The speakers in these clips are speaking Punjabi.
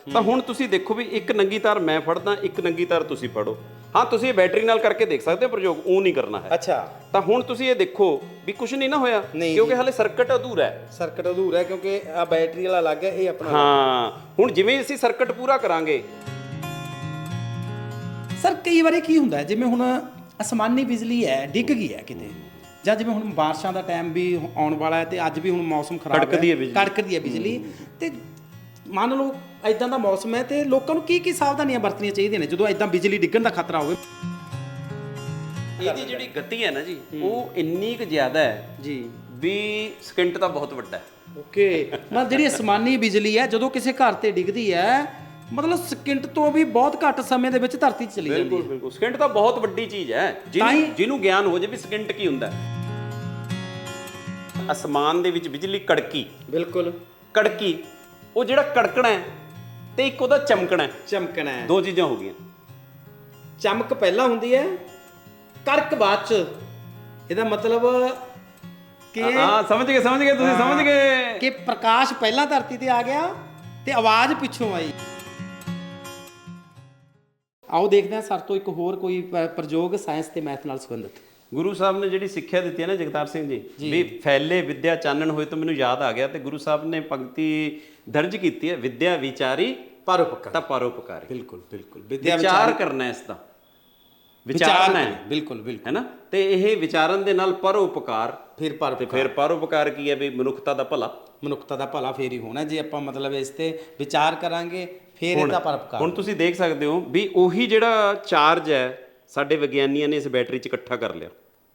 ਤਾਂ ਹੁਣ ਤੁਸੀਂ ਦੇਖੋ ਵੀ ਇੱਕ ਨੰਗੀ ਤਾਰ ਮੈਂ ਫੜਦਾ, ਇੱਕ ਨੰਗੀ ਤਾਰ ਤੁਸੀਂ ਫੜੋ। ਹਾਂ, ਤੁਸੀਂ ਇਹ ਬੈਟਰੀ ਨਾਲ ਕਰਕੇ ਦੇਖ ਸਕਦੇ ਹੋ ਪ੍ਰਯੋਗ, ਉਹ ਨਹੀਂ ਕਰਨਾ ਹੈ। ਅੱਛਾ, ਤਾਂ ਹੁਣ ਤੁਸੀਂ ਇਹ ਦੇਖੋ ਵੀ ਕੁਝ ਨਹੀਂ ਨਾ ਹੋਇਆ, ਨਹੀਂ ਕਿਉਂਕਿ ਜੀ। ਹਾਲੇ ਸਰਕਟ ਅਧੂਰਾ ਹੈ। ਸਰਕਟ ਅਧੂਰਾ ਹੈ ਕਿਉਂਕਿ ਆ ਬੈਟਰੀ ਵਾਲਾ ਅਲੱਗ ਹੈ, ਇਹ ਆਪਣਾ ਅਲੱਗ ਹਾਂ, ਹੁਣ ਜਿਵੇਂ ਅਸੀਂ ਸਰਕਟ ਪੂਰਾ ਕਰਾਂਗੇ। ਸਰ ਕਈ ਵਾਰੀ ਕੀ ਹੁੰਦਾ ਜਿਵੇਂ ਹੁਣ ਅਸਮਾਨੀ ਬਿਜਲੀ ਹੈ ਡਿੱਗ ਗਈ ਹੈ ਕਿਤੇ, ਜਾਂ ਜਿਵੇਂ ਹੁਣ ਬਾਰਿਸ਼ਾਂ ਦਾ ਟਾਈਮ ਵੀ ਆਉਣ ਵਾਲਾ ਹੈ ਤੇ ਅੱਜ ਵੀ ਹੁਣ ਮੌਸਮ ਖਰਾਬ ਕੜਕਦੀ ਹੈ ਬਿਜਲੀ। ਕੜਕਦੀ ਹੈ ਬਿਜਲੀ। ਤੇ ਮੰਨ ਲਓ ਐਦਾਂ ਦਾ ਮੌਸਮ ਹੈ ਤੇ ਲੋਕਾਂ ਨੂੰ ਕੀ ਕੀ ਸਾਵਧਾਨੀਆਂ ਵਰਤਣੀਆਂ ਚਾਹੀਦੀਆਂ ਨੇ ਜਦੋਂ ਐਦਾਂ ਬਿਜਲੀ ਡਿੱਗਣ ਦਾ ਖਤਰਾ ਹੋਵੇ? ਇਹਦੀ ਜਿਹੜੀ ਗਤੀ ਹੈ ਨਾ ਜੀ, ਉਹ ਇੰਨੀ ਕੁ ਜ਼ਿਆਦਾ ਹੈ ਜੀ ਵੀ ਸਕਿੰਟ ਤਾਂ ਬਹੁਤ ਵੱਡਾ ਹੈ। ਓਕੇ, ਮਤਲਬ ਜਿਹੜੀ ਅਸਮਾਨੀ ਬਿਜਲੀ ਹੈ ਜਦੋਂ ਕਿਸੇ ਘਰ ਤੇ ਡਿੱਗਦੀ ਹੈ, ਮਤਲਬ ਸਕਿੰਟ ਤੋਂ ਵੀ ਬਹੁਤ ਘੱਟ ਸਮੇਂ ਦੇ ਵਿੱਚ ਧਰਤੀ 'ਚ ਚਲੀ ਜਾਂਦੀ ਬਿਲਕੁਲ ਹੈ। ਬਿਲਕੁਲ, ਸਕਿੰਟ ਤਾਂ ਬਹੁਤ ਵੱਡੀ ਚੀਜ਼ ਹੈ। ਜਿਹਨੂੰ ਗਿਆਨ ਹੋ ਜਾਵੇ ਵੀ ਸਕਿੰਟ ਕੀ ਹੁੰਦਾ ਹੈ। ਅਸਮਾਨ ਦੇ ਵਿੱਚ ਬਿਜਲੀ ਕੜਕੀ, ਬਿਲਕੁਲ ਕੜਕੀ, ਉਹ ਜਿਹੜਾ ਕੜਕਣਾ ਹੈ ਤੇ ਇੱਕ ਉਹਦਾ ਚਮਕਣਾ ਹੈ, ਚਮਕਣਾ ਹੈ। ਦੋ ਚੀਜ਼ਾਂ ਹੋ ਗਈਆਂ। ਚਮਕ ਪਹਿਲਾਂ ਹੁੰਦੀ ਹੈ, ਕਰਕ ਬਾਅਦ ਚ। ਇਹਦਾ ਮਤਲਬ ਕਿ ਹਾਂ, ਸਮਝ ਗਏ ਤੁਸੀਂ, ਸਮਝ ਗਏ ਕਿ ਪ੍ਰਕਾਸ਼ ਪਹਿਲਾਂ ਧਰਤੀ ਤੇ ਆ ਗਿਆ ਤੇ ਆਵਾਜ਼ ਪਿੱਛੋਂ ਆਈ। ਆਓ ਦੇਖਦੇ ਹਾਂ ਸਰ ਤੋਂ ਇੱਕ ਹੋਰ ਕੋਈ ਪ੍ਰਯੋਗ ਸਾਇੰਸ ਤੇ ਮੈਥ ਨਾਲ ਸੰਬੰਧਿਤ। ਗੁਰੂ ਸਾਹਿਬ ਨੇ ਜਿਹੜੀ ਸਿੱਖਿਆ ਦਿੱਤੀ ਹੈ ਨਾ ਜਗਤਾਰ ਸਿੰਘ ਜੀ, ਵੀ ਫੈਲੇ ਵਿਦਿਆ ਚਾਨਣ ਹੋਏ, ਤਾਂ ਮੈਨੂੰ ਯਾਦ ਆ ਗਿਆ ਤੇ ਗੁਰੂ ਸਾਹਿਬ ਨੇ ਪੰਕਤੀ ਦਰਜ ਕੀਤੀ ਹੈ, ਵਿਦਿਆ ਵਿਚਾਰੀ ਪਰਉਪਕਾਰ। ਤਾਂ ਪਰਉਪਕਾਰੀ। ਬਿਲਕੁਲ ਬਿਲਕੁਲ, ਵਿਚਾਰ ਕਰਨਾ ਇਸ ਦਾ, ਵਿਚਾਰਨਾ ਹੈ। ਬਿਲਕੁਲ ਬਿਲਕੁਲ, ਹੈ ਨਾ। ਤੇ ਇਹ ਵਿਚਾਰਨ ਦੇ ਨਾਲ ਪਰਉਪਕਾਰ, ਫਿਰ ਤੇ ਫਿਰ ਪਰਉਪਕਾਰ ਕੀ ਹੈ ਵੀ ਮਨੁੱਖਤਾ ਦਾ ਭਲਾ। ਮਨੁੱਖਤਾ ਦਾ ਭਲਾ ਫੇਰ ਹੀ ਹੋਣਾ ਜੇ ਆਪਾਂ ਮਤਲਬ ਇਸ ਤੇ ਵਿਚਾਰ ਕਰਾਂਗੇ, ਫਿਰ ਇਹਦਾ ਪਰਉਪਕਾਰ। ਹੁਣ ਤੁਸੀਂ ਦੇਖ ਸਕਦੇ ਹੋ ਵੀ ਉਹੀ ਜਿਹੜਾ ਚਾਰਜ ਹੈ ਸਾਡੇ ਵਿਗਿਆਨੀਆਂ ਨੇ ਇਸ ਬੈਟਰੀ 'ਚ ਇਕੱਠਾ ਕਰ ਲਿਆ।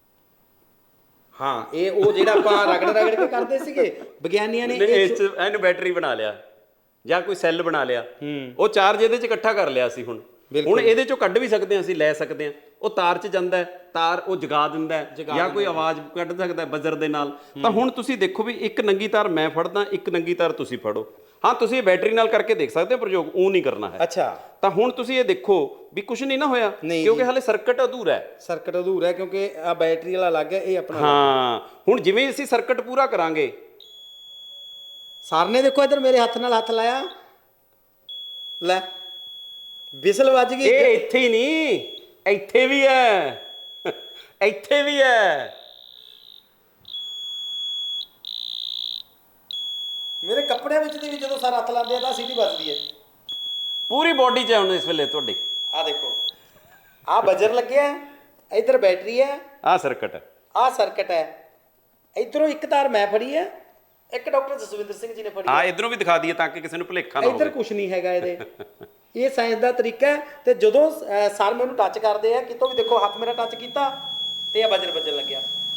ਹਾਂ, ਇਹ ਉਹ ਜਿਹੜਾ ਆਪਾਂ ਰਗੜ ਕੇ ਕਰਦੇ ਸੀਗੇ, ਵਿਗਿਆਨੀਆਂ ਨੇ ਇਹਨੂੰ ਬੈਟਰੀ ਬਣਾ ਲਿਆ ਜਾਂ ਕੋਈ ਸੈੱਲ ਬਣਾ ਲਿਆ, ਉਹ ਚਾਰਜ ਇਹਦੇ 'ਚ ਇਕੱਠਾ ਕਰ ਲਿਆ ਸੀ। ਹੁਣ ਇਹਦੇ 'ਚੋਂ ਕੱਢ ਵੀ ਸਕਦੇ ਹਾਂ, ਅਸੀਂ ਲੈ ਸਕਦੇ ਹਾਂ। ਉਹ ਤਾਰ 'ਚ ਜਾਂਦਾ ਹੈ, ਤਾਰ ਉਹ ਜਗਾ ਦਿੰਦਾ ਹੈ, ਜਾਂ ਕੋਈ ਆਵਾਜ਼ ਕੱਢ ਸਕਦਾ ਹੈ ਬਜ਼ਰ ਦੇ ਨਾਲ। ਤਾਂ ਹੁਣ ਤੁਸੀਂ ਦੇਖੋ ਵੀ ਇੱਕ ਨੰਗੀ ਤਾਰ ਮੈਂ ਫੜਦਾ, ਇੱਕ ਨੰਗੀ ਤਾਰ ਤੁਸੀਂ ਫੜੋ। ਹਾਂ, ਤੁਸੀਂ ਇਹ ਬੈਟਰੀ ਨਾਲ ਕਰਕੇ ਦੇਖ ਸਕਦੇ ਹੋ ਪ੍ਰਯੋਗ, ਉਹ ਨਹੀਂ ਕਰਨਾ ਹੈ। ਅੱਛਾ, ਤਾਂ ਹੁਣ ਤੁਸੀਂ ਇਹ ਦੇਖੋ ਵੀ ਕੁਝ ਨਹੀਂ ਨਾ ਹੋਇਆ, ਕਿਉਂਕਿ ਹਾਲੇ ਸਰਕਟ ਅਧੂਰਾ ਹੈ। ਸਰਕਟ ਅਧੂਰਾ ਹੈ ਕਿਉਂਕਿ ਆ ਬੈਟਰੀ ਵਾਲਾ ਅਲੱਗ ਹੈ, ਇਹ ਆਪਣਾ ਹਾਂ, ਹੁਣ ਜਿਵੇਂ ਅਸੀਂ ਸਰਕਟ ਪੂਰਾ ਕਰਾਂਗੇ। ਸਰ ਨੇ ਦੇਖੋ ਇੱਧਰ ਮੇਰੇ ਹੱਥ ਨਾਲ ਹੱਥ ਲਾਇਆ, ਲੈ ਵਿਸਲ ਵੱਜ ਗਈ। ਇਹ ਇੱਥੇ ਹੀ ਨਹੀਂ, ਇੱਥੇ ਵੀ ਹੈ, ਇੱਥੇ ਵੀ ਹੈ। ਮੇਰੇ ਕੱਪੜਿਆਂ ਵਿੱਚ ਦੀ ਵੀ ਜਦੋਂ ਸਰ ਹੱਥ ਲਾਉਂਦੇ ਆ ਤਾਂ ਸੀਟੀ ਵੱਜਦੀ ਹੈ ਪੂਰੀ ਬਾਡੀ 'ਚ ਹੈ ਹੁਣ ਇਸ ਵੇਲੇ ਤੁਹਾਡੀ। ਆਹ ਦੇਖੋ, ਆਹ ਬਜ਼ਰ ਲੱਗਿਆ, ਇੱਧਰ ਬੈਟਰੀ ਹੈ, ਆਹ ਸਰਕਟ ਹੈ, ਆਹ ਸਰਕਟ ਹੈ। ਇੱਧਰੋਂ ਇੱਕ ਤਾਰ ਮੈਂ ਫੜੀ ਹੈ, ਇੱਕ ਡਾਕਟਰ ਜਸਵਿੰਦਰ ਸਿੰਘ ਜੀ ਨੇ ਫੜੀ। ਆ ਇਧਰੋਂ ਵੀ ਦਿਖਾ ਦਈਏ ਤਾਂ ਕਿ ਕਿਸੇ ਨੂੰ ਭੁਲੇਖਾ ਨਾ ਇੱਧਰ ਹੋਵੇ। ਕੁਝ ਨਹੀਂ ਹੈਗਾ ਇਹਦੇ। ਇਹ ਸਾਇੰਸ ਦਾ ਤਰੀਕਾ ਹੈ। ਤੇ ਜਦੋਂ ਸਰ ਮੈਨੂੰ ਟੱਚ ਕਰਦੇ ਆ ਕਿਤੋਂ ਵੀ, ਦੇਖੋ ਹੱਥ ਮੇਰਾ ਟੱਚ ਕੀਤਾ ਤੇ ਆ ਬਜ਼ਰ ਵੱਜਣ ਲੱਗਿਆ।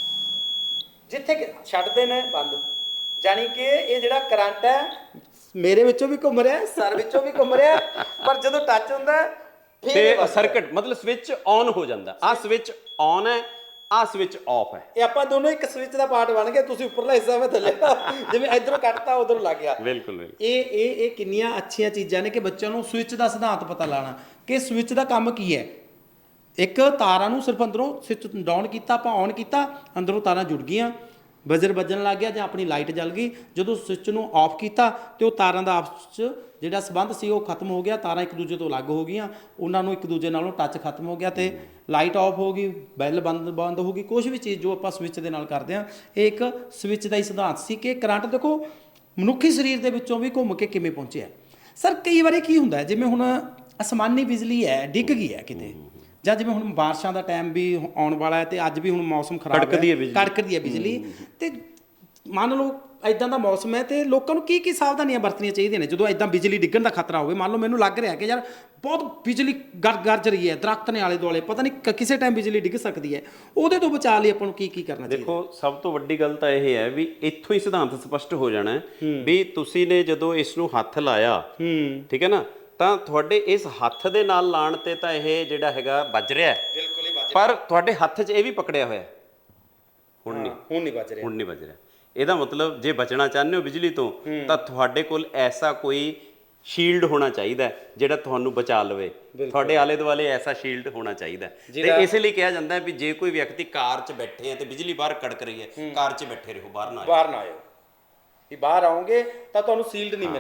ਜਿੱਥੇ ਛੱਡਦੇ ਨੇ ਬੰਦ, ਜਾਣੀ ਕਿ ਇਹ ਜਿਹੜਾ ਕਰੰਟ ਹੈ ਮੇਰੇ ਵਿੱਚੋਂ ਵੀ ਘੁੰਮ ਰਿਹਾ, ਸਰ ਵਿੱਚੋਂ ਵੀ ਘੁੰਮ ਰਿਹਾ, ਪਰ ਜਦੋਂ ਟੱਚ ਹੁੰਦਾ ਤੇ ਸਰਕਟ ਮਤਲਬ ਸਵਿਚ ਆਨ ਹੋ ਜਾਂਦਾ। ਆਹ ਸਵਿਚ ਆਨ ਹੈ, ਆਹ ਸਵਿਚ ਆਫ ਹੈ। ਇਹ ਆਪਾਂ ਦੋਨੋਂ ਇੱਕ ਸਵਿਚ ਦਾ ਪਾਰਟ ਬਣ ਗਏ। ਤੁਸੀਂ ਉੱਪਰਲਾ ਹਿੱਸਾ ਮੈਂ ਥੱਲੇ, ਜਿਵੇਂ ਇਧਰੋਂ ਕੱਟਤਾ ਉਧਰੋਂ ਲੱਗ ਗਿਆ। ਬਿਲਕੁਲ ਬਿਲਕੁਲ। ਇਹ ਕਿੰਨੀਆਂ ਅੱਛੀਆਂ ਚੀਜ਼ਾਂ ਨੇ ਕਿ ਬੱਚਿਆਂ ਨੂੰ ਸਵਿਚ ਦਾ ਸਿਧਾਂਤ ਪਤਾ ਲਾਣਾ ਕਿ ਸਵਿਚ ਦਾ ਕੰਮ ਕੀ ਹੈ। ਇੱਕ ਤਾਰਾਂ ਨੂੰ ਸਿਰਫ ਅੰਦਰੋਂ ਸਵਿਚ ਡਾਊਨ ਕੀਤਾ, ਆਪਾਂ ਔਨ ਕੀਤਾ, ਅੰਦਰੋਂ ਤਾਰਾਂ ਜੁੜ ਗਈਆਂ, ਬਜ਼ਰ ਵੱਜਣ ਲੱਗ ਗਿਆ ਜਾਂ ਆਪਣੀ ਲਾਈਟ ਜਲ ਗਈ। ਜਦੋਂ ਸਵਿਚ ਨੂੰ ਆਫ ਕੀਤਾ ਤੇ ਉਹ ਤਾਰਾਂ ਦਾ ਆਪਸ 'ਚ ਜਿਹੜਾ ਸੰਬੰਧ ਸੀ ਉਹ ਖਤਮ ਹੋ ਗਿਆ, ਤਾਰਾਂ ਇੱਕ ਦੂਜੇ ਤੋਂ ਅਲੱਗ ਹੋ ਗਈਆਂ, ਉਹਨਾਂ ਨੂੰ ਇੱਕ ਦੂਜੇ ਨਾਲੋਂ ਟੱਚ ਖਤਮ ਹੋ ਗਿਆ ਤੇ ਲਾਈਟ ਆਫ ਹੋ ਗਈ, ਬੈਲ ਬੰਦ ਹੋ ਗਈ। ਕੁਛ ਵੀ ਚੀਜ਼ ਜੋ ਆਪਾਂ ਸਵਿਚ ਦੇ ਨਾਲ ਕਰਦੇ ਹਾਂ, ਇਹ ਇੱਕ ਸਵਿਚ ਦਾ ਹੀ ਸਿਧਾਂਤ ਸੀ ਕਿ ਕਰੰਟ ਦੇਖੋ ਮਨੁੱਖੀ ਸਰੀਰ ਦੇ ਵਿੱਚੋਂ ਵੀ ਘੁੰਮ ਕੇ ਕਿਵੇਂ ਪਹੁੰਚਿਆ। ਸਰ ਕਈ ਵਾਰੀ ਕੀ ਹੁੰਦਾ ਜਿਵੇਂ ਹੁਣ ਅਸਮਾਨੀ ਬਿਜਲੀ ਹੈ ਡਿੱਗ ਗਈ ਹੈ ਕਿਤੇ, ਜਾਂ ਜਿਵੇਂ ਹੁਣ ਬਾਰਿਸ਼ਾਂ ਦਾ ਟਾਈਮ ਵੀ ਆਉਣ ਵਾਲਾ ਹੈ ਤੇ ਅੱਜ ਵੀ ਹੁਣ ਮੌਸਮ ਖਰਾਬ ਹੈ, ਕੜਕਦੀ ਹੈ ਬਿਜਲੀ। ਤੇ ਮੰਨ ਲਓ ਐਦਾਂ ਦਾ ਮੌਸਮ ਹੈ ਤੇ ਲੋਕਾਂ ਨੂੰ ਕੀ ਕੀ ਸਾਵਧਾਨੀਆਂ ਵਰਤਣੀਆਂ ਚਾਹੀਦੀਆਂ ਨੇ ਜਦੋਂ ਐਦਾਂ ਬਿਜਲੀ ਡਿੱਗਣ ਦਾ ਖਤਰਾ ਹੋਵੇ? ਮੰਨ ਲਓ ਮੈਨੂੰ ਲੱਗ ਰਿਹਾ ਕਿ ਯਾਰ ਬਹੁਤ ਬਿਜਲੀ ਗਰਜ ਰਹੀ ਹੈ, ਦਰਖਤ ਨੇ ਆਲੇ ਦੁਆਲੇ, ਪਤਾ ਨਹੀਂ ਕਿਸੇ ਟਾਈਮ ਬਿਜਲੀ ਡਿੱਗ ਸਕਦੀ ਹੈ, ਉਹਦੇ ਤੋਂ ਬਚਾਅ ਲਈ ਆਪਾਂ ਨੂੰ ਕੀ ਕੀ ਕਰਨਾ ਚਾਹੀਦਾ? ਦੇਖੋ, ਸਭ ਤੋਂ ਵੱਡੀ ਗੱਲ ਤਾਂ ਇਹ ਹੈ ਵੀ ਇੱਥੋਂ ਹੀ ਸਿਧਾਂਤ ਸਪਸ਼ਟ ਹੋ ਜਾਣਾ ਵੀ ਤੁਸੀਂ ਨੇ ਜਦੋਂ ਇਸ ਨੂੰ ਹੱਥ ਲਾਇਆ, ਠੀਕ ਹੈ ਨਾ, ਤਾਂ ਤੁਹਾਡੇ ਇਸ ਹੱਥ ਦੇ ਨਾਲ ਲਾਣ ਤੇ ਤਾਂ ਇਹ ਜਿਹੜਾ ਹੈਗਾ ਵੱਜ ਰਿਹਾ ਹੈ, ਬਿਲਕੁਲ ਹੀ ਵੱਜ ਰਿਹਾ, ਪਰ ਤੁਹਾਡੇ ਹੱਥ 'ਚ ਇਹ ਵੀ ਪਕੜਿਆ ਹੋਇਆ, ਹੁਣ ਨਹੀਂ ਵੱਜ ਰਿਹਾ, ਹੁਣ ਨਹੀਂ ਵੱਜ ਰਿਹਾ। ਇਹਦਾ ਮਤਲਬ ਜੇ ਬਚਣਾ ਚਾਹੁੰਦੇ ਹੋ ਬਿਜਲੀ ਤੋਂ ਤਾਂ ਤੁਹਾਡੇ ਕੋਲ ਐਸਾ ਕੋਈ ਸ਼ੀਲਡ ਹੋਣਾ ਚਾਹੀਦਾ ਜਿਹੜਾ ਤੁਹਾਨੂੰ ਬਚਾ ਲਵੇ। ਤੁਹਾਡੇ ਆਲੇ ਦੁਆਲੇ ਐਸਾ ਸ਼ੀਲਡ ਹੋਣਾ ਚਾਹੀਦਾ। ਤੇ ਇਸੇ ਲਈ ਕਿਹਾ ਜਾਂਦਾ ਵੀ ਜੇ ਕੋਈ ਵਿਅਕਤੀ ਕਾਰ 'ਚ ਬੈਠੇ ਹੈ ਤੇ ਬਿਜਲੀ ਬਾਹਰ ਕੜਕ ਰਹੀ ਹੈ, ਕਾਰ 'ਚ ਬੈਠੇ ਰਹੋ, ਬਾਹਰ ਨਾ ਆਇਓ। ਬਾਹਰ ਵੀ ਬਾਹਰ ਆਓਗੇ ਤਾਂ ਤੁਹਾਨੂੰ ਸੀਲਡ ਨਹੀਂ ਮਿਲਣਾ।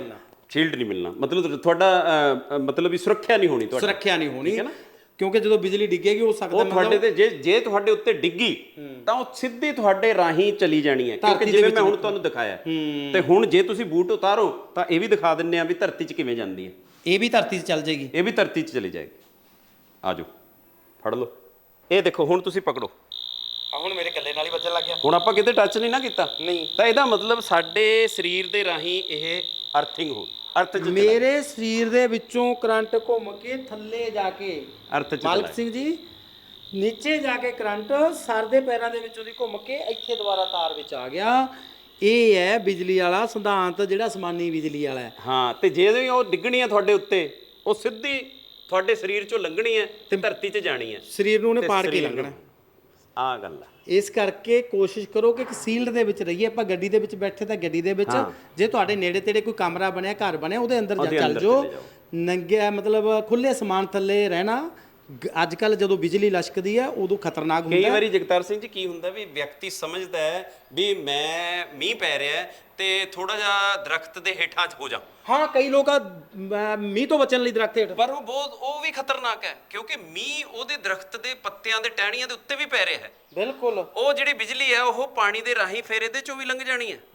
ਸ਼ੀਲਡ ਨਹੀਂ ਮਿਲਣਾ, ਮਤਲਬ ਤੁਹਾਡਾ ਮਤਲਬ ਵੀ ਸੁਰੱਖਿਆ ਨਹੀਂ ਹੋਣੀ ਤੁਹਾਡੀ। ਸੁਰੱਖਿਆ ਨਹੀਂ ਹੋਣੀ, ਕਿਉਂਕਿ ਜਦੋਂ ਬਿਜਲੀ ਡਿੱਗੇਗੀ ਹੋ ਸਕਦਾ ਉਹ ਤੁਹਾਡੇ ਤੇ ਜੇ ਤੁਹਾਡੇ ਉੱਤੇ ਡਿੱਗੀ ਤਾਂ ਉਹ ਸਿੱਧੀ ਤੁਹਾਡੇ ਰਾਹੀਂ ਚਲੀ ਜਾਣੀ ਹੈ, ਕਿਉਂਕਿ ਜਿਵੇਂ ਮੈਂ ਹੁਣ ਤੁਹਾਨੂੰ ਦਿਖਾਇਆ। ਤੇ ਹੁਣ ਜੇ ਤੁਸੀਂ ਬੂਟ ਉਤਾਰੋ ਤਾਂ ਇਹ ਵੀ ਦਿਖਾ ਦਿੰਨੇ ਆ ਵੀ ਧਰਤੀ 'ਚ ਕਿਵੇਂ ਜਾਂਦੀ ਹੈ। ਇਹ ਵੀ ਧਰਤੀ 'ਚ ਚੱਲ ਜਾਏਗੀ, ਇਹ ਵੀ ਧਰਤੀ 'ਚ ਚਲੀ ਜਾਏਗੀ। ਆ ਜਾਓ ਫੜ ਲਓ, ਇਹ ਦੇਖੋ ਹੁਣ ਤੁਸੀਂ ਪਕੜੋ। ਹੁਣ ਮੇਰੇ ਕੱਲੇ ਨਾਲ ਹੀ ਵੱਜਣ ਲੱਗ ਗਿਆ। ਹੁਣ ਆਪਾਂ ਕਿਤੇ ਟੱਚ ਨਹੀਂ ਨਾ ਕੀਤਾ, ਨਹੀਂ ਤਾਂ ਇਹਦਾ ਮਤਲਬ ਸਾਡੇ ਸਰੀਰ ਦੇ ਰਾਹੀਂ ਇਹ ਅਰਥਿੰਗ ਹੋ ਅਰਥ 'ਚ ਮੇਰੇ ਸਰੀਰ ਦੇ ਵਿੱਚੋਂ ਕਰੰਟ ਘੁੰਮ ਕੇ ਥੱਲੇ ਜਾ ਕੇ ਅਰਥ 'ਚ ਮਾਲਕ ਸਿੰਘ ਜੀ ਨੀਚੇ ਜਾ ਕੇ ਕਰੰਟ ਸਰ ਦੇ ਪੈਰਾਂ ਦੇ ਵਿੱਚੋਂ ਦੀ ਘੁੰਮ ਕੇ ਇੱਥੇ ਦੁਬਾਰਾ ਤਾਰ ਵਿੱਚ ਆ ਗਿਆ। ਇਹ ਹੈ ਬਿਜਲੀ ਵਾਲਾ ਸਿਧਾਂਤ, ਜਿਹੜਾ ਅਸਮਾਨੀ ਬਿਜਲੀ ਵਾਲਾ ਹੈ। ਹਾਂ, ਤੇ ਜੇ ਉਹ ਡਿੱਗਣੀ ਹੈ ਤੁਹਾਡੇ ਉੱਤੇ, ਉਹ ਸਿੱਧੀ ਤੁਹਾਡੇ ਸਰੀਰ 'ਚੋਂ ਲੰਘਣੀ ਹੈ ਤੇ ਧਰਤੀ 'ਚ ਜਾਣੀ ਹੈ। ਸਰੀਰ ਨੂੰ ਉਹਨੇ ਤੇ ਪਾੜ ਕੇ ਸਰੀਰ ਨੂੰ। ਲੰਘਣਾ। ਆਹ ਗੱਲ ਆ। ਇਸ ਕਰਕੇ ਕੋਸ਼ਿਸ਼ ਕਰੋ ਕਿ ਇੱਕ ਸੀਲਡ ਦੇ ਵਿੱਚ ਰਹੀਏ। ਆਪਾਂ ਗੱਡੀ ਦੇ ਵਿੱਚ ਬੈਠੇ ਤਾਂ ਗੱਡੀ ਦੇ ਵਿੱਚ, ਜੇ ਤੁਹਾਡੇ ਨੇੜੇ ਤੇੜੇ ਕੋਈ ਕਮਰਾ ਬਣਿਆ, ਘਰ ਬਣਿਆ, ਉਹਦੇ ਅੰਦਰ ਚੱਲ ਜਾਓ। ਨੰਗੇ ਮਤਲਬ ਖੁੱਲੇ ਸਮਾਨ ਥੱਲੇ ਰਹਿਣਾ ਅੱਜ ਕੱਲ ਜਦੋਂ ਬਿਜਲੀ ਲਸ਼ਕਦੀ ਹੈ ਉਦੋਂ ਖਤਰਨਾਕ ਹੁੰਦਾ। ਕਈ ਵਾਰੀ ਜਗਤਾਰ ਸਿੰਘ ਜੀ ਕੀ ਹੁੰਦਾ ਵੀ ਵਿਅਕਤੀ ਸਮਝਦਾ ਹੈ ਵੀ ਮੈਂ ਮੀਂਹ ਪੈ ਰਿਹਾ ਤੇ ਥੋੜਾ ਜਿਹਾ ਦਰਖਤ ਦੇ ਹੇਠਾਂ 'ਚ ਹੋ ਜਾ। ਹਾਂ, ਕਈ ਲੋਕ ਮੀਂਹ ਤੋਂ ਬਚਣ ਲਈ ਦਰਖਤ ਹੇਠ, ਪਰ ਉਹ ਵੀ ਖਤਰਨਾਕ ਹੈ, ਕਿਉਂਕਿ ਮੀਂਹ ਉਹਦੇ ਦਰਖਤ ਦੇ ਪੱਤਿਆਂ ਦੇ ਟਹਿਣੀਆਂ ਦੇ ਉੱਤੇ ਵੀ ਪੈ ਰਿਹਾ ਹੈ। ਬਿਲਕੁਲ। ਉਹ ਜਿਹੜੀ ਬਿਜਲੀ ਹੈ ਉਹ ਪਾਣੀ ਦੇ ਰਾਹੀਂ ਫੇਰ ਇਹਦੇ 'ਚੋਂ ਵੀ ਲੰਘ ਜਾਣੀ ਹੈ।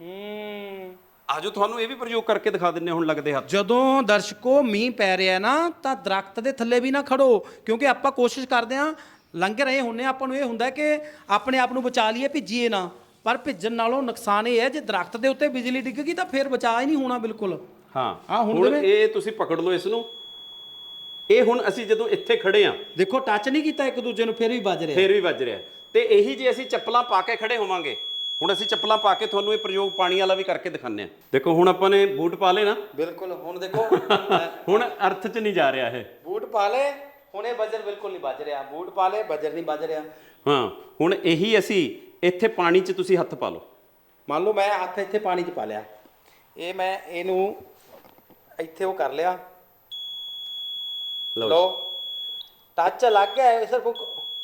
ਆਜੋ ਤੁਹਾਨੂੰ ਇਹ ਵੀ ਪ੍ਰਯੋਗ ਕਰਕੇ ਦਿਖਾ ਦਿੰਨੇ ਹੁਣ ਲੱਗਦੇ ਹੱਥ। ਜਦੋਂ ਦਰਸ਼ਕੋ ਮੀਂਹ ਪੈ ਰਿਹਾ ਨਾ ਤਾਂ ਦਰਖਤ ਦੇ ਥੱਲੇ ਵੀ ਨਾ ਖੜੋ, ਕਿਉਂਕਿ ਆਪਾਂ ਕੋਸ਼ਿਸ਼ ਕਰਦੇ ਹਾਂ ਲੰਘ ਰਹੇ ਹੁੰਨੇ, ਆਪਾਂ ਨੂੰ ਇਹ ਹੁੰਦਾ ਕਿ ਆਪਣੇ ਆਪ ਨੂੰ ਬਚਾ ਲਈਏ, ਭਿੱਜੀਏ ਨਾ। ਪਰ ਭਿੱਜਣ ਨਾਲੋਂ ਨੁਕਸਾਨ ਇਹ ਹੈ ਜੇ ਦਰਖਤ ਦੇ ਉੱਤੇ ਬਿਜਲੀ ਡਿੱਗ ਗਈ ਤਾਂ ਫਿਰ ਬਚਾ ਹੀ ਨਹੀਂ ਹੋਣਾ ਬਿਲਕੁਲ। ਹਾਂ, ਹੁਣ ਇਹ ਤੁਸੀਂ ਪਕੜ ਲਓ ਇਸ ਨੂੰ। ਇਹ ਹੁਣ ਅਸੀਂ ਜਦੋਂ ਇੱਥੇ ਖੜੇ ਆ, ਦੇਖੋ ਟੱਚ ਨਹੀਂ ਕੀਤਾ ਇੱਕ ਦੂਜੇ ਨੂੰ, ਫਿਰ ਵੀ ਵੱਜ ਰਿਹਾ, ਫਿਰ ਵੀ ਵੱਜ ਰਿਹਾ। ਤੇ ਇਹੀ ਜੇ ਅਸੀਂ ਚੱਪਲਾਂ ਪਾ ਕੇ ਖੜੇ ਹੋਵਾਂਗੇ, ਹੁਣ ਅਸੀਂ ਚੱਪਲਾਂ ਪਾ ਕੇ ਤੁਹਾਨੂੰ ਇਹ ਪ੍ਰਯੋਗ ਪਾਣੀ ਵਾਲਾ ਵੀ ਕਰਕੇ ਦਿਖਾਉਂਦੇ ਆ। ਦੇਖੋ ਹੁਣ ਆਪਾਂ ਨੇ ਬੂਟ ਪਾ ਲਏ ਨਾ। ਬਿਲਕੁਲ। ਹੁਣ ਦੇਖੋ ਹੁਣ ਅਰਥ 'ਚ ਨਹੀਂ ਜਾ ਰਿਹਾ ਇਹ। ਬੂਟ ਪਾ ਲੈ, ਹੁਣ ਇਹ ਬਜਰ ਬਿਲਕੁਲ ਨਹੀਂ ਵੱਜ ਰਿਹਾ। ਬੂਟ ਪਾ ਲੈ, ਬਜਰ ਨਹੀਂ ਵੱਜ ਰਿਹਾ। ਹਾਂ, ਹੁਣ ਇਹੀ ਅਸੀਂ ਇੱਥੇ ਪਾਣੀ 'ਚ ਤੁਸੀਂ ਹੱਥ ਪਾ ਲਓ। ਮੰਨ ਲਓ ਮੈਂ ਹੱਥ ਇੱਥੇ ਪਾਣੀ 'ਚ ਪਾ ਲਿਆ, ਇਹ ਮੈਂ ਇਹਨੂੰ ਇੱਥੇ ਉਹ ਕਰ ਲਿਆ, ਲਓ ਟੱਚ ਲੱਗ ਗਿਆ ਸਿਰਫ।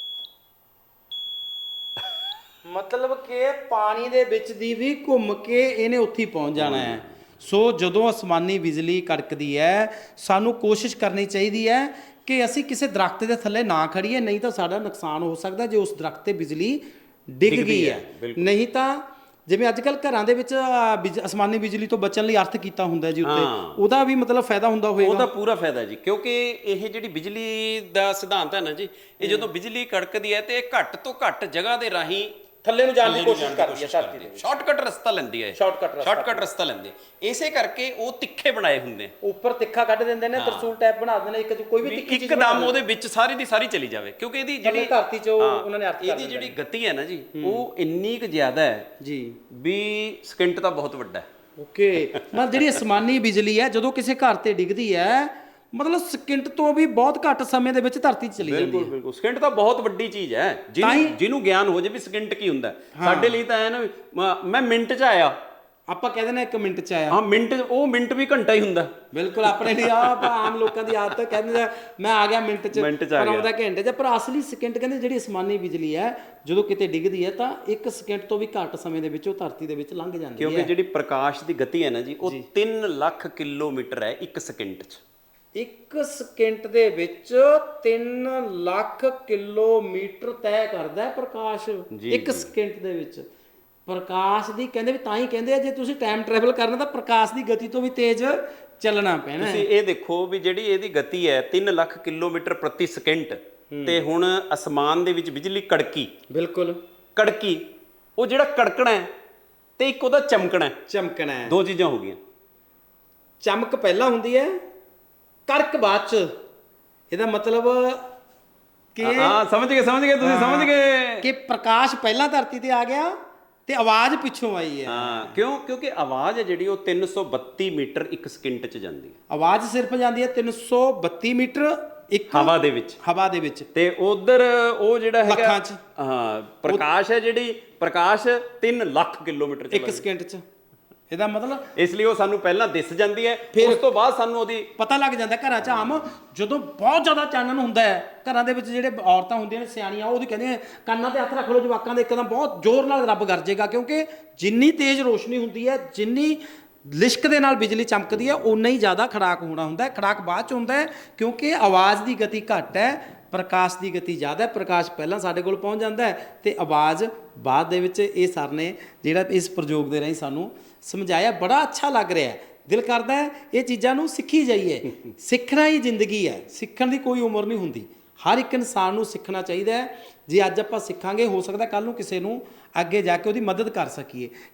ਮਤਲਬ ਕਿ ਪਾਣੀ ਦੇ ਵਿੱਚ ਦੀ ਵੀ ਘੁੰਮ ਕੇ ਇਹਨੇ ਉੱਥੇ ਪਹੁੰਚ ਜਾਣਾ ਹੈ। ਸੋ ਜਦੋਂ ਅਸਮਾਨੀ ਬਿਜਲੀ ਕੜਕਦੀ ਹੈ, ਸਾਨੂੰ ਕੋਸ਼ਿਸ਼ ਕਰਨੀ ਚਾਹੀਦੀ ਹੈ ਕਿ ਅਸੀਂ ਕਿਸੇ ਦਰਖਤ ਦੇ ਥੱਲੇ ਨਾ ਖੜੀਏ, ਨਹੀਂ ਤਾਂ ਸਾਡਾ ਨੁਕਸਾਨ ਹੋ ਸਕਦਾ ਜੇ ਉਸ ਦਰਖਤ ਤੇ ਬਿਜਲੀ ਡਿੱਗ ਗਈ ਹੈ। ਨਹੀਂ ਤਾਂ ਜਿਵੇਂ ਅੱਜ ਕੱਲ ਘਰਾਂ ਦੇ ਵਿੱਚ ਅਸਮਾਨੀ ਬਿਜਲੀ ਤੋਂ ਬਚਣ ਲਈ ਅਰਥ ਕੀਤਾ ਹੁੰਦਾ ਜੀ ਉੱਤੇ, ਉਹਦਾ ਵੀ ਮਤਲਬ ਫਾਇਦਾ ਹੁੰਦਾ ਹੋਏਗਾ। ਉਹਦਾ ਪੂਰਾ ਫਾਇਦਾ ਜੀ, ਕਿਉਂਕਿ ਇਹ ਜਿਹੜੀ ਬਿਜਲੀ ਦਾ ਸਿਧਾਂਤ ਹੈ ਨਾ ਜੀ, ਇਹ ਜਦੋਂ ਬਿਜਲੀ ਕੜਕਦੀ ਹੈ ਤੇ ਇਹ ਘੱਟ ਤੋਂ ਘੱਟ ਜਗ੍ਹਾ ਦੇ ਰਾਹੀਂ ਥੱਲੇ ਨੂੰ ਜਾਣ ਦੀ ਕੋਸ਼ਿਸ਼ ਕਰਦੀ ਹੈ ਧਰਤੀ ਦੇ। ਸ਼ਾਰਟਕਟ ਰਸਤਾ ਲੈਂਦੀ ਹੈ, ਸ਼ਾਰਟਕਟ ਰਸਤਾ ਲੈਂਦੀ ਹੈ। ਇਸੇ ਕਰਕੇ ਉਹ ਤਿੱਖੇ ਬਣਾਏ ਹੁੰਦੇ ਆ, ਉੱਪਰ ਤਿੱਖਾ ਕੱਢ ਦਿੰਦੇ ਨੇ, ਤਰਸੂਲ ਟਾਈਪ ਬਣਾ ਦਿੰਦੇ ਨੇ, ਇੱਕ ਕੋਈ ਵੀ ਤਿੱਖੀ ਚੀਜ਼ ਇੱਕਦਮ ਉਹਦੇ ਵਿੱਚ ਸਾਰੀ ਦੀ ਸਾਰੀ ਚਲੀ ਜਾਵੇ। ਕਿਉਂਕਿ ਇਹਦੀ ਜਿਹੜੀ ਧਰਤੀ 'ਚ ਉਹਨਾਂ ਨੇ ਅਰਥ ਕਰ ਇਹਦੀ ਜਿਹੜੀ ਗਤੀ ਹੈ ਨਾ ਜੀ, ਉਹ ਇੰਨੀ ਕੁ ਜ਼ਿਆਦਾ ਹੈ ਜੀ ਵੀ ਸਕਿੰਟ ਤਾਂ ਬਹੁਤ ਵੱਡਾ ਹੈ। ਓਕੇ। ਮਤਲਬ ਜਿਹੜੀ ਅਸਮਾਨੀ ਬਿਜਲੀ ਹੈ ਜਦੋਂ ਕਿਸੇ ਘਰ ਤੇ ਡਿੱਗਦੀ ਹੈ, ਮਤਲਬ ਸਕਿੰਟ ਤੋਂ ਵੀ ਬਹੁਤ ਘੱਟ ਸਮੇਂ ਦੇ ਵਿੱਚ ਧਰਤੀ 'ਚ ਚਲੀ ਜਾਂਦੀ ਹੈ। ਬਿਲਕੁਲ ਬਿਲਕੁਲ, ਸਕਿੰਟ ਤਾਂ ਬਹੁਤ ਵੱਡੀ ਚੀਜ਼ ਹੈ। ਜਿਹਨੂੰ ਗਿਆਨ ਹੋ ਜੇ ਵੀ ਸਕਿੰਟ ਕੀ ਹੁੰਦਾ, ਸਾਡੇ ਲਈ ਤਾਂ ਐ ਨਾ ਮੈਂ ਮਿੰਟ 'ਚ ਆਇਆ, ਆਪਾਂ ਕਹਿੰਦੇ ਨੇ 1 ਮਿੰਟ 'ਚ ਆਇਆ। ਹਾਂ, ਮਿੰਟ ਵੀ ਘੰਟਾ ਹੀ ਹੁੰਦਾ। ਬਿਲਕੁਲ, ਆਪਣੇ ਲਈ ਆਮ ਲੋਕਾਂ ਦੀ ਆਦਤ ਕਹਿੰਦੇ ਮੈਂ ਆ ਗਿਆ ਮਿੰਟ 'ਚ, ਪਰ ਆਉਂਦਾ ਘੰਟੇ 'ਚ। ਪਰ ਅਸਲੀ ਸਕਿੰਟ ਕਹਿੰਦੇ ਜਿਹੜੀ ਅਸਮਾਨੀ ਬਿਜਲੀ ਹੈ ਜਦੋਂ ਕਿਤੇ ਡਿੱਗਦੀ ਹੈ ਤਾਂ 1 ਸਕਿੰਟ ਤੋਂ ਵੀ ਘੱਟ ਸਮੇਂ ਦੇ ਵਿੱਚ ਉਹ ਧਰਤੀ ਦੇ ਵਿੱਚ ਲੰਘ ਜਾਂਦੀ ਹੈ। ਕਿਉਂਕਿ ਜਿਹੜੀ ਪ੍ਰਕਾਸ਼ ਦੀ ਗਤੀ ਹੈ ਨਾ ਜੀ, ਉਹ 3 ਲੱਖ ਕਿਲੋਮੀਟਰ ਹੈ 1 ਸਕਿੰਟ 'ਚ। 1 ਸਕਿੰਟ ਦੇ ਵਿੱਚ 3 ਲੱਖ ਕਿਲੋਮੀਟਰ ਤੈਅ ਕਰਦਾ ਹੈ ਪ੍ਰਕਾਸ਼। 1 ਸਕਿੰਟ ਦੇ ਵਿੱਚ ਪ੍ਰਕਾਸ਼ ਦੀ ਕਹਿੰਦੇ ਵੀ ਤਾਂ ਹੀ ਕਹਿੰਦੇ ਆ ਜੇ ਤੁਸੀਂ ਟਾਈਮ ਟਰੈਵਲ ਕਰਨਾ ਤਾਂ ਪ੍ਰਕਾਸ਼ ਦੀ ਗਤੀ ਤੋਂ ਵੀ ਤੇਜ਼ ਚੱਲਣਾ ਪੈਣਾ। ਤੁਸੀਂ ਇਹ ਦੇਖੋ ਵੀ ਜਿਹੜੀ ਇਹਦੀ ਗਤੀ ਹੈ 3 ਲੱਖ ਕਿਲੋਮੀਟਰ ਪ੍ਰਤੀ ਸਕਿੰਟ, ਤੇ ਹੁਣ ਅਸਮਾਨ ਦੇ ਵਿੱਚ ਬਿਜਲੀ ਕੜਕੀ, ਬਿਲਕੁਲ ਕੜਕੀ, ਉਹ ਜਿਹੜਾ ਕੜਕਣਾ ਹੈ ਤੇ ਇੱਕ ਉਹਦਾ ਚਮਕਣਾ ਹੈ, ਦੋ ਚੀਜ਼ਾਂ ਹੋ ਗਈਆਂ। ਚਮਕ ਪਹਿਲਾਂ ਹੁੰਦੀ ਹੈ, ਕੜਕ ਬਾਅਦ 'ਚ। ਇਹਦਾ ਮਤਲਬ ਕਿ ਸਮਝ ਗਏ ਤੁਸੀਂ, ਸਮਝ ਗਏ ਕਿ ਪ੍ਰਕਾਸ਼ ਪਹਿਲਾਂ ਧਰਤੀ ਤੇ ਆ ਗਿਆ ਤੇ ਆਵਾਜ਼ ਪਿੱਛੋਂ ਆਈ ਹੈ। ਹਾਂ, ਕਿਉਂਕਿ ਆਵਾਜ਼ ਹੈ ਜਿਹੜੀ ਉਹ 332 ਮੀਟਰ 1 ਸਕਿੰਟ 'ਚ ਜਾਂਦੀ ਹੈ। ਆਵਾਜ਼ ਸਿਰਫ ਜਾਂਦੀ ਹੈ 332 ਮੀਟਰ ਇੱਕ ਹਵਾ ਦੇ ਵਿੱਚ, ਤੇ ਉਧਰ ਉਹ ਜਿਹੜਾ ਹੈਗਾ ਲੱਖਾਂ 'ਚ। ਹਾਂ, ਪ੍ਰਕਾਸ਼ ਹੈ ਜਿਹੜੀ ਪ੍ਰਕਾਸ਼ 3 ਲੱਖ ਕਿਲੋਮੀਟਰ 'ਚ 1 ਸਕਿੰਟ 'ਚ। ਇਹਦਾ ਮਤਲਬ ਇਸ ਲਈ ਉਹ ਸਾਨੂੰ ਪਹਿਲਾਂ ਦਿਸ ਜਾਂਦੀ ਹੈ, ਉਸ ਤੋਂ ਬਾਅਦ ਸਾਨੂੰ ਉਹਦੀ ਪਤਾ ਲੱਗ ਜਾਂਦਾ। ਘਰਾਂ 'ਚ ਆਮ ਜਦੋਂ ਬਹੁਤ ਜ਼ਿਆਦਾ ਚਾਨਣ ਹੁੰਦਾ ਹੈ, ਘਰਾਂ ਦੇ ਵਿੱਚ ਜਿਹੜੇ ਔਰਤਾਂ ਹੁੰਦੀਆਂ ਨੇ ਸਿਆਣੀਆਂ, ਉਹਦੀ ਕਹਿੰਦੀਆਂ ਕੰਨਾਂ ਤੇ ਹੱਥ ਰੱਖ ਲਓ ਜਵਾਕਾਂ ਦੇ, ਇੱਕਦਮ ਬਹੁਤ ਜ਼ੋਰ ਨਾਲ ਰੱਬ ਗਰਜੇਗਾ। ਕਿਉਂਕਿ ਜਿੰਨੀ ਤੇਜ਼ ਰੋਸ਼ਨੀ ਹੁੰਦੀ ਹੈ, ਜਿੰਨੀ ਲਿਸ਼ਕ ਦੇ ਨਾਲ ਬਿਜਲੀ ਚਮਕਦੀ ਹੈ ਓਨਾ ਹੀ ਜ਼ਿਆਦਾ ਖੜਾਕ ਹੋਣਾ ਹੁੰਦਾ ਹੈ। ਖੜਾਕ ਬਾਅਦ ਚ ਹੁੰਦਾ ਹੈ ਕਿਉਂਕਿ ਆਵਾਜ਼ ਦੀ ਗਤੀ ਘੱਟ ਹੈ, ਪ੍ਰਕਾਸ਼ ਦੀ ਗਤੀ ਜ਼ਿਆਦਾ ਹੈ। ਪ੍ਰਕਾਸ਼ ਪਹਿਲਾਂ ਸਾਡੇ ਕੋਲ ਪਹੁੰਚ ਜਾਂਦਾ ਹੈ ਤੇ ਆਵਾਜ਼ ਬਾਅਦ ਦੇ ਵਿੱਚ। ਇਹ ਸਰ ਨੇ ਜਿਹੜਾ ਇਸ ਪ੍ਰਯੋਗ ਦੇ ਰਾਹੀਂ ਸਾਨੂੰ ਸਮਝਾਇਆ, ਬੜਾ ਅੱਛਾ ਲੱਗ ਰਿਹਾ ਹੈ। ਦਿਲ ਕਰਦਾ ਹੈ ਇਹ ਚੀਜ਼ਾਂ ਨੂੰ ਸਿੱਖੀ ਜਾਈਏ। ਸਿੱਖਣਾ ਹੀ ਜ਼ਿੰਦਗੀ ਹੈ, ਸਿੱਖਣ ਦੀ ਕੋਈ ਉਮਰ ਨਹੀਂ ਹੁੰਦੀ। ਹਰ ਇੱਕ ਇਨਸਾਨ ਨੂੰ ਸਿੱਖਣਾ ਚਾਹੀਦਾ ਹੈ। ਜੇ ਅੱਜ ਆਪਾਂ ਸਿੱਖਾਂਗੇ, ਹੋ ਸਕਦਾ ਕੱਲ੍ਹ ਨੂੰ ਕਿਸੇ ਨੂੰ ਅੱਗੇ ਜਾ ਕੇ ਉਹਦੀ ਮਦਦ ਕਰ ਸਕੀਏ।